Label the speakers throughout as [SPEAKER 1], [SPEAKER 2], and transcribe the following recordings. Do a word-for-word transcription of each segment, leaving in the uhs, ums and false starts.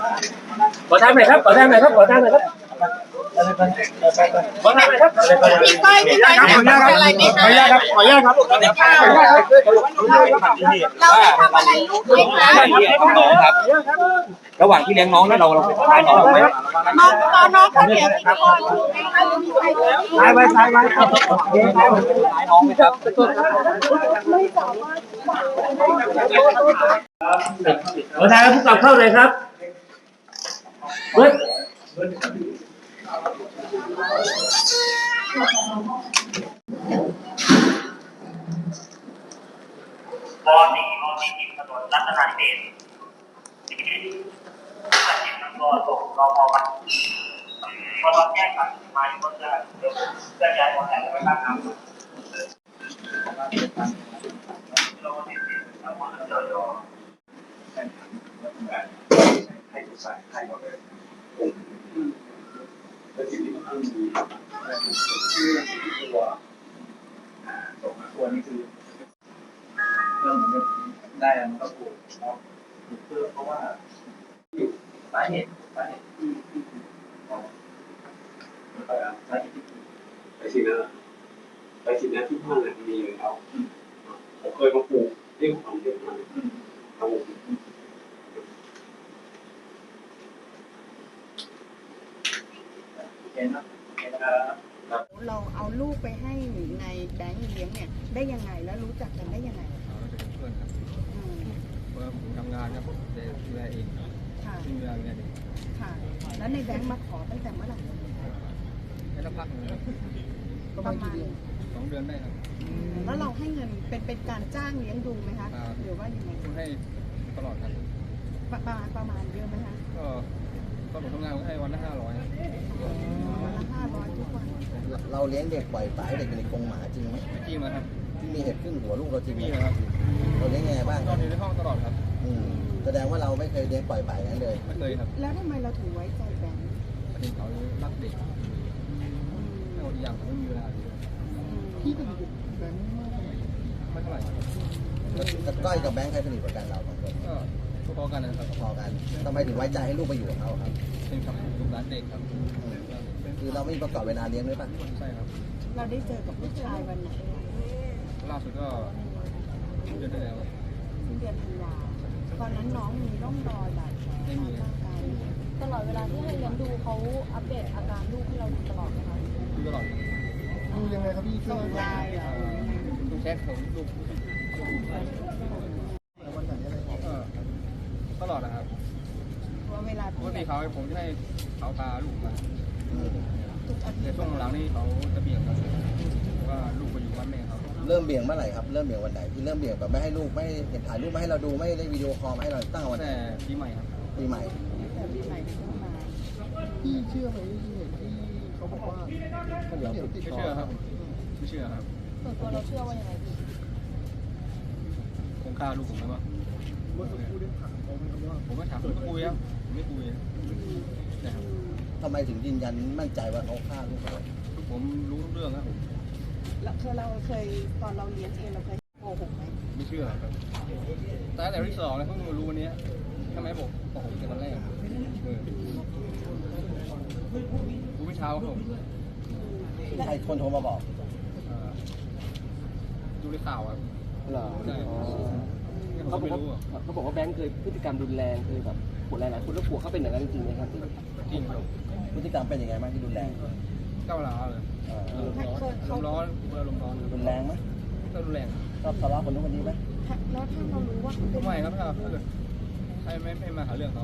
[SPEAKER 1] ขอทางหน่อยครับขอทางหน่อยครับขอทางหน่อยครับขอทางหน่อยครับ
[SPEAKER 2] พี่ก้อยพี่ก้อยขออนุญาตอะไรไหมคะ
[SPEAKER 1] ขออนุญาตครับขออนุญาตครับขออนุญาตครับ
[SPEAKER 2] เราทำอะไรลูกไหมคะ
[SPEAKER 3] น้องครับระหว่างที่เลี้ยงน้องแล้วเราเราไปทานน้องไหม
[SPEAKER 2] น้องน้องน้องเขาเลี้ยงพี่ก้อยลูกไหมคะหรือมีใครเลี้ยง
[SPEAKER 1] ตายไปตายไปครับ
[SPEAKER 3] น้องไหมครับ
[SPEAKER 1] ขอทางผู้กำกับเข้าเลยครับเฮ้ย
[SPEAKER 4] ปอสี่ปอสี่ถนนรัตนาธิเบศถ้าจิตมันก็ส่งรอพอมันพอตอนแยกกันมาอยู่ก็จะเพื่อย้ายคนไหนไปบ้านน้ำเราติดติดแล้วคนเดียว
[SPEAKER 5] ให้ทุกสายให้หมดเลยแล้วทีนี้มันมีชื่อที่ตัวส่งมาตัวนี้คือเรื่องมันได้มันก็ถูกเนาะถูกเพิ่มเพราะว่าสาเหตุสาเหตุที่ที่ไปอ่ะสาเหตุที่ไปสินะไปสินะที่ห้างอ่ะมีอยู่แล้วผมเคยมาปลูกเรื่องของเรื่องนั้นเอา
[SPEAKER 2] เราเอาลูกไปให้ในแบงค์เลี้ยงเนี่ยได้ยังไงแล้วรู้จักกันได้ยังไง
[SPEAKER 6] เราจะเป็นเพื่อนครับเพราะผมทำงานครับแต่ดูแลเองที่ดูแลเอง
[SPEAKER 2] ค่ะแล้วในแบงค์มาขอตั้งแต่เมื่อไหร่
[SPEAKER 6] ให้สักพักหนึ่ง
[SPEAKER 2] ประมาณ
[SPEAKER 6] สองเดือนได้ครับ
[SPEAKER 2] แล้วเราให้เงินเป็นเป็นการจ้างเลี้ยงดูไหมคะหรือว่ายังไง
[SPEAKER 6] ผมให้ตลอดครับ
[SPEAKER 2] ประมาณประมาณเยอะไหมคะ
[SPEAKER 6] ก็ตอนผมทำงานผมให้วันละห้าร้อย
[SPEAKER 2] วันละห้าร้อยทุกวัน
[SPEAKER 7] เราเลี้ยงเด็กปล่อยปละให้เด็กอยู่ในกรงหมาจริงไหม
[SPEAKER 6] จริงไหมครับ
[SPEAKER 7] ที่มีเห็บขึ้นหัวลูกเราจริงไหม
[SPEAKER 6] มีนะครับ
[SPEAKER 7] เราเลี้ยงยังไงบ้าง
[SPEAKER 6] ตอนอยู่ในห้องตลอดครับ
[SPEAKER 7] อืมแสดงว่าเราไม่เคยเลี้ยงปล่อยปละอย่างนั้นเลย
[SPEAKER 6] ไม่เคยครับ
[SPEAKER 2] แล้วทำไมเราถึงไว้ใจแบงค์
[SPEAKER 6] ประเด็นเขารักเด็กแล้วอีกอย่างผมไม่มีเวลาเลย
[SPEAKER 2] พี่เป็นแบงค์
[SPEAKER 6] ไม่เท่าไหร่ครับ
[SPEAKER 7] กับก้อยกับแบงค์ใครสนิทกว่ากันเราสองคน
[SPEAKER 6] ก็พอๆกันนะครับ
[SPEAKER 7] พอกันทำไมถึงไว้ใจให้ลูกไปอยู่กับเขาครับ
[SPEAKER 6] เป็นครับลูกหลานเด็กครับ
[SPEAKER 7] คือเราไม่มีประกอบเวลาเลี้ยงด้วยป่ะ
[SPEAKER 6] ใช่ครับ
[SPEAKER 2] เราได้เจอกับลูกชายวันไหน
[SPEAKER 6] ล่าสุดก็เดือนที่แล้ว
[SPEAKER 2] เดือนธันวาตอนนั้นน้องมีร่องรอยบาดแผลทางร่างกาย
[SPEAKER 8] ตลอดเวลาที่ให้เลี้ยงดูเขาอัปเดตอาการลูกให้เราดูตลอดไหมคะ
[SPEAKER 6] ดูตลอด
[SPEAKER 2] ดูยังไงครับพี่ส่งไลน์เหรอ
[SPEAKER 6] ดูแชทของลูกตลอดนะครับ
[SPEAKER 2] ว่าเวลา
[SPEAKER 6] ปกติเขาผมจะให้เขาพาลูกมา
[SPEAKER 2] ทุกอาทิ
[SPEAKER 6] แต่
[SPEAKER 2] ตย์
[SPEAKER 6] ช่วงหลังนี่เขาจะเบี่ยงครับว่าลูกไปอยู่บ้านแม่เขา
[SPEAKER 7] เริ่มเบี่ยงเมื่อไหร่ครับ เริ่มเบี่ยงวันไหนที่เริ่มเบี่ยงแบบไม่ให้ลูกไม่เห็นถ่ายรูปไม่ให้เราดูไม่ได้วิดีโอคอลมาให้เราตั้งวันไหน
[SPEAKER 6] แต่ปีใหม่ครับ
[SPEAKER 7] ปีใหม่
[SPEAKER 2] แต่ปีใหม่เป็นต้นมา
[SPEAKER 9] พี่เชื่อไหมที่เห็นที่เขาบอกว่าเขาเดี๋ยวติด
[SPEAKER 6] ไม่
[SPEAKER 9] ต่อ
[SPEAKER 6] เชื่อครับไม่เชื่อครับ
[SPEAKER 8] ส่วนตัวเราเชื่อว่ายังไงพี่
[SPEAKER 6] คงฆ่าลูกผมไหมวะ
[SPEAKER 9] เมื่อสักครู่ได้ถามเขาไหมครับว่า
[SPEAKER 6] ผมไม่ถามผมไม่คุยครับผมไม่คุยนะครับ
[SPEAKER 7] ทำไมถึงยืนยันมั่นใจว่าเขาฆ่าลูกเรา
[SPEAKER 6] ผมรู้ทุกเรื่องครับผม
[SPEAKER 2] แล้วเคยเราเคยตอนเราเลี้ยงเองเราเคยโกหกไหม
[SPEAKER 6] ไม่เชื่อครับแต่แต่ที่สองเลยเพิ่งมารู้วันนี้ทำไมบอกบอกผมแต่ตอนแรกเออรู้ไม่เช้าครับผม
[SPEAKER 7] ใครคนโทรมาบอก
[SPEAKER 6] ดูในข่าวครับ
[SPEAKER 9] เหรอ
[SPEAKER 6] ใช่
[SPEAKER 9] เขาบอก
[SPEAKER 6] ไม่
[SPEAKER 9] ว่า
[SPEAKER 6] รู้อ่ะ
[SPEAKER 9] เขาบอกว่าแบงค์เคยพฤติกรรมรุนแรงเคยแบบปวดหลายๆคนแล้วกลัวเขาเป็นอย่างนั้นจริงไหมครับ
[SPEAKER 6] จริงครับ
[SPEAKER 7] พฤติกรรมเป็นยังไงบ้างที่รุนแรง
[SPEAKER 6] ก้าวร้าวเลย
[SPEAKER 7] เอ่อ
[SPEAKER 6] ลมร้อนลมร้อน
[SPEAKER 7] รุนแรงไหม
[SPEAKER 6] ก็รุนแรง
[SPEAKER 7] ชอบทะเลาะคนนู้นคนนี้ไหม
[SPEAKER 2] แล้วถ้าเรารู้ว่าเขาเป็น
[SPEAKER 6] ไม่ครับถ้าถ้าเกิดใครไม่ไม่มาหาเรื่องเขา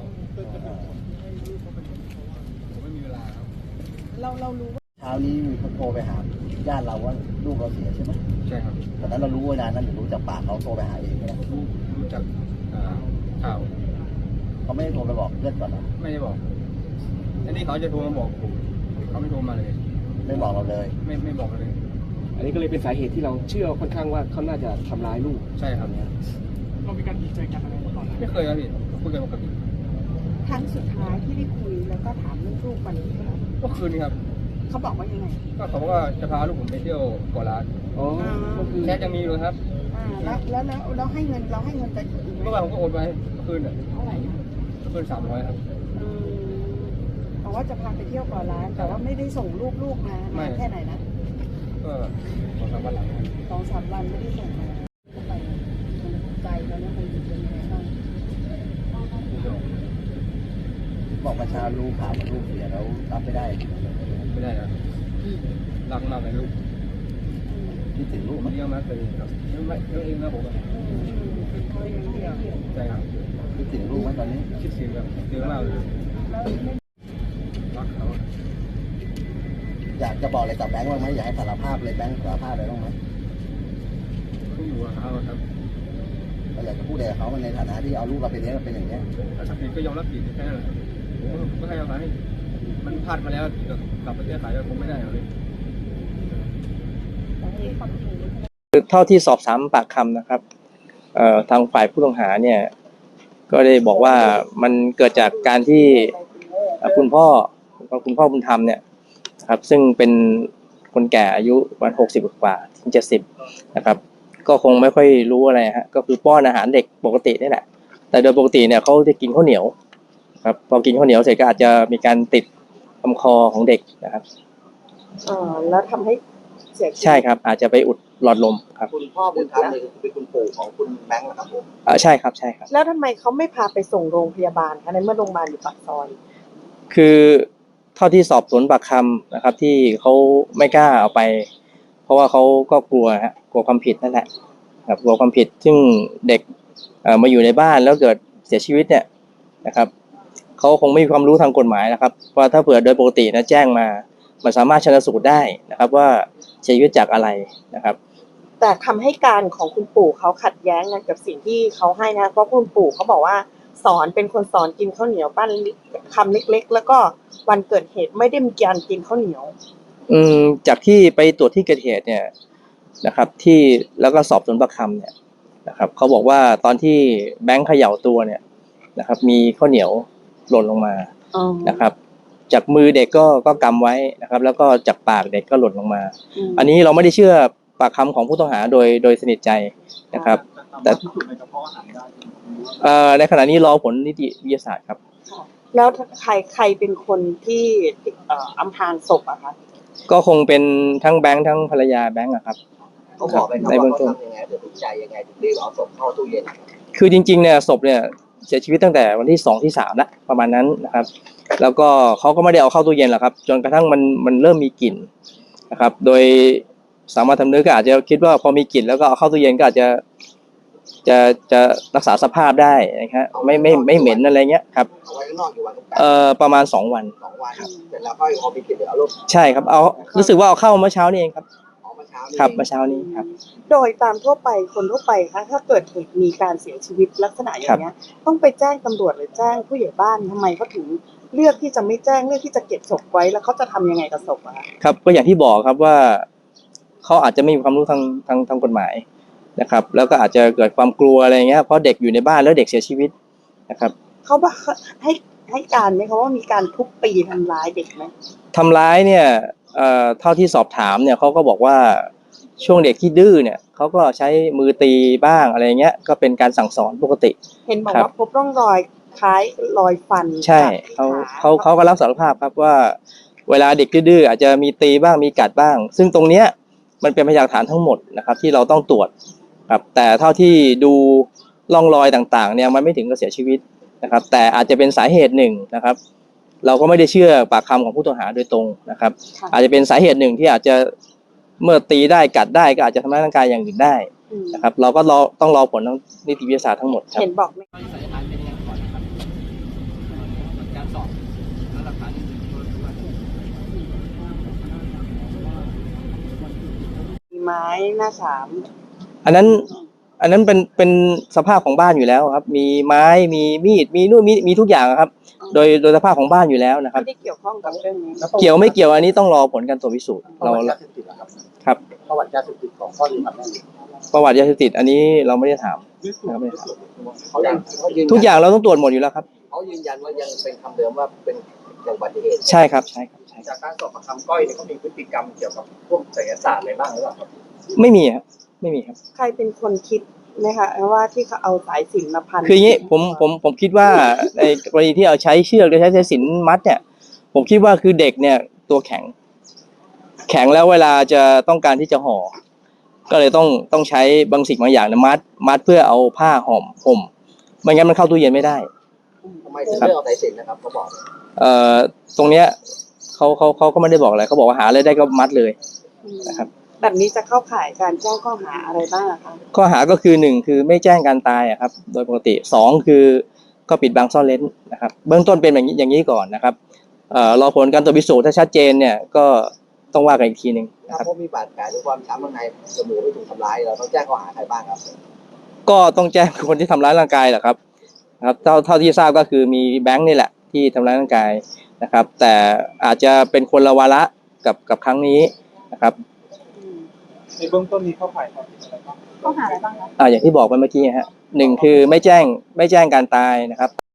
[SPEAKER 6] ผมไม่มีเวลาครับ
[SPEAKER 2] เราเรารู้ว่า
[SPEAKER 7] เช้านี้มีคนโทรไปหาญาติเราว่าลูกเราเสียใช่ไหม
[SPEAKER 6] ใช่ครับ
[SPEAKER 7] ตอนนั้นเรารู้เวลานั้นหรือรู้จากปากเขาโทรไปหาเองไหม
[SPEAKER 6] รู้รู้จักข่าว
[SPEAKER 7] เขาไม่ได้โทรไปบอกเพื่อนก่อนเหรอ
[SPEAKER 6] ไม่ได้บอกอันนี้เขาจะโทรมาบอกผมเขาไม่โทรมาเลย
[SPEAKER 7] ไม่บอกเราเลย
[SPEAKER 6] ไม่ไม่บอกเลย
[SPEAKER 9] อันนี้ก็เลยเป็นสาเหตุที่เราเชื่อค่อนข้างว่าเขาน่าจะทำร้ายลูก
[SPEAKER 6] ใช่ครับ
[SPEAKER 9] เรามีการดีใจกันอะไรก่อน
[SPEAKER 6] ไม่เคยครับพี่คุยกันปกติ
[SPEAKER 2] ครั้งสุดท้ายที่ได้คุยแล้วก็ถามเรื่องลูกวันนี้ครับ
[SPEAKER 6] ก็คืนนี้ครับ
[SPEAKER 2] เขาบอกว่ายังไง
[SPEAKER 6] ก็เขาบอกว่าจะพาลูกผมไปเที่ยวเกาะล้าน
[SPEAKER 9] อ๋อก็คือ
[SPEAKER 6] แชทยังมีอยู่ครับ
[SPEAKER 2] อ่าแล้วแล้วแล้วเราให้เงินเราให้เงินไปอีกไหม
[SPEAKER 6] เมื่อวานผมก็โอนไปเมื่อคืนอ่ะ
[SPEAKER 2] เท่าไหร่
[SPEAKER 6] สขึ้นสามร้อยครับ
[SPEAKER 2] อืมบอกว่าจะพาไปเที่ยวเก่อนร้าน แต่ว่าไม่ได้ส่งลูกๆมา
[SPEAKER 6] ไม่
[SPEAKER 2] นานแค่ไหนนะ
[SPEAKER 6] ก็สองสามวันหลังครับ
[SPEAKER 2] สองสามวันไม่ได้ส่งมาไปใจตอนนี้มันอยู่เป็นยังไงบ้าง
[SPEAKER 7] บอกประชาลูกข่าวว่าลูกเสียแล้วรับไม่ได้
[SPEAKER 6] ไม่ได้ครับรักมากเลยลูก
[SPEAKER 7] คิดถึงลูกไหม
[SPEAKER 6] เลี้ยงมากเลยครับเลี้ยงไม่เลี้ยงเองนะผมอะใช่ครับ
[SPEAKER 7] คิดถึงลูกไหมตอนนี้
[SPEAKER 6] คิดถึงแบบเยอะมากเลยรักเขา
[SPEAKER 7] อยากจะบอกอะไรกับแบงค์บ้างไหมอยากให้สารภาพเลยแบงค์สารภาพอะไรบ้างไหม
[SPEAKER 6] ขึ้นอยู่กับเขาครับ
[SPEAKER 7] เราอยากจะพูดอะไรกับเขาในฐานะที่เอาลูกเราไปเลี้ยงเราเป็นอย่างเนี้ย
[SPEAKER 6] ถ้าทำผิดก็ยอมรับผิดแค่นั้นแหละผมก็ให้อภัยมันพลาดมาแล้วกลับไปแก้ไขก็คงไม่ได้เลย
[SPEAKER 3] เท่าที่สอบถามปากคำนะครับเอ่อทางฝ่ายผู้ต้องหาเนี่ยก็ได้บอกว่ามันเกิดจากการที่เอ่อคุณพ่อคุณพ่อบุญธรรมเนี่ยนะครับซึ่งเป็นคนแก่อายุประมาณหกสิบกว่าถึงเจ็ดสิบนะครับก็คงไม่ค่อยรู้อะไรฮะก็คือป้อนอาหารเด็กปกตินี่แหละแต่โดยปกติเนี่ยเขาจะกินข้าวเหนียวครับพอกินข้าวเหนียวเสร็จก็อาจจะมีการติดลำคอของเด็กนะครับ
[SPEAKER 2] เออแล้วทำให้เสียชีวิต
[SPEAKER 3] ใช่ครับอาจจะไปอุดหลอดลมครับ
[SPEAKER 7] คุณพ่อบุญธรรมเนี่ยเป็นคุณปู่ของคุณแบงค์เหรอครับผม
[SPEAKER 3] เออใช่ครับใช่ครับ
[SPEAKER 2] แล้วทำไมเขาไม่พาไปส่งโรงพยาบาลคะในเมื่อโรงพยาบาลอยู่ปากซอย
[SPEAKER 3] คือเท่าที่สอบสวนปากคำนะครับที่เขาไม่กล้าเอาไป เพราะว่าเขาก็กลัวฮะกลัวความผิดนั่นแหละครับกลัวความผิดซึ่งเด็กเอ่อมาอยู่ในบ้านแล้วเกิดเสียชีวิตเนี่ยนะครับเขาคงไม่มีความรู้ทางกฎหมายนะครับว่าถ้าเผื่อโดยปกตินะแจ้งมามันสามารถชันสูตรได้นะครับว่าเสียชีวิตจากอะไรนะครับ
[SPEAKER 2] แต่คำให้การของคุณปู่เขาขัดแย้งกันกับสิ่งที่เขาให้นะเพราะคุณปู่เขาบอกว่าสอนเป็นคนสอนกินข้าวเหนียวบ้านคำเล็กๆแล้วก็วันเกิดเหตุไม่ได้มีการกินข้าวเหนียว
[SPEAKER 3] อืมจากที่ไปตรวจที่เกิดเหตุเนี่ยนะครับที่แล้วก็สอบสวนปากคำเนี่ยนะครับเขาบอกว่าตอนที่แบงค์เขย่าตัวเนี่ยนะครับมีข้าวเหนียวหล่นลงมานะครับจากมือเด็กก็ก็กำไว้นะครับแล้วก็จากปากเด็กก็หล่นลงมา อันนี้เราไม่ได้เชื่อปากคำของผู้ต้องหาโดยโดยสนิทใจนะครับแต่เอ่อในขณะนี้รอผลนิติวิทยาศาสตร์ครับ
[SPEAKER 2] แล้วใครใครเป็นคนที่เอ่ออำพรางศพอะคะ
[SPEAKER 3] ก็คงเป็นทั้งแบงค์ทั้งภรรยาแบงค์อะครับ
[SPEAKER 7] เขาบอกไปครับ
[SPEAKER 3] ใน
[SPEAKER 7] ว่า
[SPEAKER 3] เบื้อง
[SPEAKER 7] เขา
[SPEAKER 3] ต้น
[SPEAKER 7] ทำยังไงตัดสินใจยังไงถึงรีบเอาศพเข้าตู้เย็น
[SPEAKER 3] คือจริงๆเนี่ยศพเนี่ยเสียชีวิตตั้งแต่วันที่สองที่สามแล้วประมาณนั้นนะครับ แล้วก็เขาก็ไม่ได้เอาเข้าตู้เย็นหรอกครับจนกระทั่งมันมันเริ่มมีกลิ่นนะครับ โดยสามัญสำนึกก็อาจจะคิดว่าพอมีกลิ่นแล้วก็เอาเข้าตู้เย็นก็อาจจะจะจะรักษาสภาพได้นะครับไม่ไม่ไม่เหม็นอะไรเงี้ยครับ
[SPEAKER 7] เอาไว้ข้างนอกอยู่วัน
[SPEAKER 3] เอ่อประมาณสองวัน
[SPEAKER 7] สองวันเสร็จแล้วก็เอาไปกินเดี๋ยวเอาลูก
[SPEAKER 3] ใช่ครับเอารู้สึกว่าเอาเข้าเมื่อเช้านี้เองครับ
[SPEAKER 7] เอามาเช้านี้
[SPEAKER 3] ครับเมื่อเช้านี้ครับ
[SPEAKER 2] โดยตามทั่วไปคนทั่วไปคะถ้าเกิดเหตุมีการเสียชีวิตลักษณะอย่างเงี้ยต้องไปแจ้งตำรวจหรือแจ้งผู้ใหญ่บ้านทำไมเขาถึงเลือกที่จะไม่แจ้งเลือกที่จะเก็บศพไว้แล้วเขาจะทำยังไงกับศพอะคะ
[SPEAKER 3] ครับก็อย่างที่บอกครับว่าเขาอาจจะไม่มีความรู้ทางทางทางกฎหมายนะครับ แล้วก็อาจจะเกิดความกลัวอะไรเงี้ยเพราะเด็กอยู่ในบ้านแล้วเด็กเสียชีวิตนะครับ
[SPEAKER 2] เขาบอกให้ให้การไหมเขาว่ามีการทุบตีทำร้ายเด็กไหม
[SPEAKER 3] ทำร้ายเนี่ยเอ่อเท่าที่สอบถามเนี่ยเขาก็บอกว่าช่วงเด็กที่ดื้อเนี่ยเขาก็ใช้มือตีบ้างอะไรเงี้ยก็เป็นการสั่งสอนปกติ
[SPEAKER 2] เห็นบอก
[SPEAKER 3] ครับ
[SPEAKER 2] ว่าพบร่องรอยคล้ายรอยฟัน
[SPEAKER 3] ใช่
[SPEAKER 2] จากที่
[SPEAKER 3] เขา
[SPEAKER 2] ขา
[SPEAKER 3] เขาเขาก็รับสารภาพครับว่าเวลาเด็กดื้อๆอาจจะมีตีบ้างมีกัดบ้าง ซึ่งตรงเนี้ยมันเป็นพยานฐานทั้งหมดนะครับที่เราต้องตรวจครับแต่เท่าที่ดูร่องรอยต่างๆเนี่ยมันไม่ถึงกับเสียชีวิตนะครับแต่อาจจะเป็นสาเหตุหนึ่งนะครับ เราก็ไม่ได้เชื่อปากคำของผู้ต้องหาโดยตรงนะครับ
[SPEAKER 2] ค่ะ
[SPEAKER 3] อาจจะเป็นสาเหตุหนึ่งที่อาจจะเมื่อตีได้กัดได้ก็อาจจะทำร้ายร่างกายอย่างอื่นได้
[SPEAKER 2] อืม
[SPEAKER 3] นะครับ เราก็รอต้องรอผลทางนิติวิทยาศาสตร์ทั้งหมดครับ
[SPEAKER 2] เห็นบอกไหม
[SPEAKER 6] ตอนนี้สันนิษฐานเป็นยังไงก่อนนะครับการสอบแล้วหลักฐานอื่นๆก็ถือว่า
[SPEAKER 2] มีไม้หน้าสาม
[SPEAKER 3] อันนั้นอันนั้นเป็นเป็นสภาพของบ้านอยู่แล้วครับ มีไม้มีมีดมีนู่นมีมีทุกอย่างครับ โดยโดยสภาพของบ้านอยู่แล้วนะครับ
[SPEAKER 2] ไม่ได้เกี่ยวข้องกับเรื่องนี้
[SPEAKER 3] เกี่ยวไม่เกี่ยวอันนี้ต้องรอผลการตรวจพิสูจน์
[SPEAKER 7] ประ
[SPEAKER 3] เรา
[SPEAKER 7] วัติยาเสพติดเหรอครับ
[SPEAKER 3] ครับ
[SPEAKER 7] ประวัติยาเสพติดของพ่อดีครับแม่
[SPEAKER 3] ประวัติยาเสพติดอันนี้เราไม่ได้ถามเราไม่ได้ถาม
[SPEAKER 7] เขายังเขายืน
[SPEAKER 3] ทุกอย่างเราต้องตรวจหมดอยู่แล้วครับ
[SPEAKER 7] เขายืนยันว่ายังเป็นคำเดิมว่าเป็นอุบัติเหตุ
[SPEAKER 3] ใช่ครับใช่ครับใช่ค
[SPEAKER 7] จา
[SPEAKER 3] รับ
[SPEAKER 7] กการสอบปากคำก้อยเนี่ยเขามีพฤติกรรมเกี่ยวกับพวกไสยศาสตร์อะไรบ้างหรือเปล่าครับ
[SPEAKER 3] ไม่มีครับไม่มีครับ
[SPEAKER 2] ใครเป็นคนคิดไหมคะว่าที่เขาเอาสายสิญจน์มาพัน
[SPEAKER 3] คืออย่างนี้ผมผมผมคิดว่าในกรณีที่เอาใช้เชือกหรือใช้สายสิญจน์มัดเนี่ยผมคิดว่าคือเด็กเนี่ยตัวแข็ง แข็งแล้วเวลาจะต้องการที่จะห่อก็เลยต้องต้องใช้บางสิ่งบางอย่างเนี่ยมัดมัดเพื่อเอาผ้าห่มห่มไม่งั้นมันเข้าตู้เย็นไม่ได้
[SPEAKER 7] ทำไมถึงเลือกเอาสายสิญจน์นะครับเขาบอก
[SPEAKER 3] เอ่อตรงเนี้ยเขาเขาเขาก็ไม่ได้บอกอะไรเขาบอกว่าหาอะไรได้ก็มัดเลยนะครับ
[SPEAKER 2] แบบนี้จะเข้าข่ายการแจ้งข้อหาอะไรบ้างอะคะ
[SPEAKER 3] ข้อหาก็คือหนึ่งคือไม่แจ้งการตายอะครับโดยปกติสองคือก็ปิดบังซ่อนเร้นนะครับเบื้องต้นเป็นอย่างนี้อย่างนี้ก่อนนะครับเอ่อรอผลการตรวจพิสูจน์ถ้าชัดเจนเนี่ยก็ต้องว่ากันอีกทีหนึ่งนะ
[SPEAKER 7] ถ้า
[SPEAKER 3] ครับ
[SPEAKER 7] พบมีบาดแผลหรือความช้ำข้างในจมูกไม่ถูกทำร้ายเราต้องแจ้งข้อหาใครบ้างครับ
[SPEAKER 3] ก็ต้องแจ้งคนที่ทำร้ายร่างกายแหละครับนะครับเท่าเท่าที่ทราบก็คือมีแบงค์นี่แหละที่ทำร้ายร่างกายนะครับ แต่อาจจะเป็นคนละวาระกับกับครั้งนี้นะครับ
[SPEAKER 5] ในเบื้องต้นมีเข้าข่ายความผิดอะไรบ้าง
[SPEAKER 8] ข้อหาอะไรบ้างคะ
[SPEAKER 3] อ่าอย่างที่บอกไปเมื่อกี้ฮะหนึ่งคือไม่แจ้งไม่แจ้งการตายนะครับ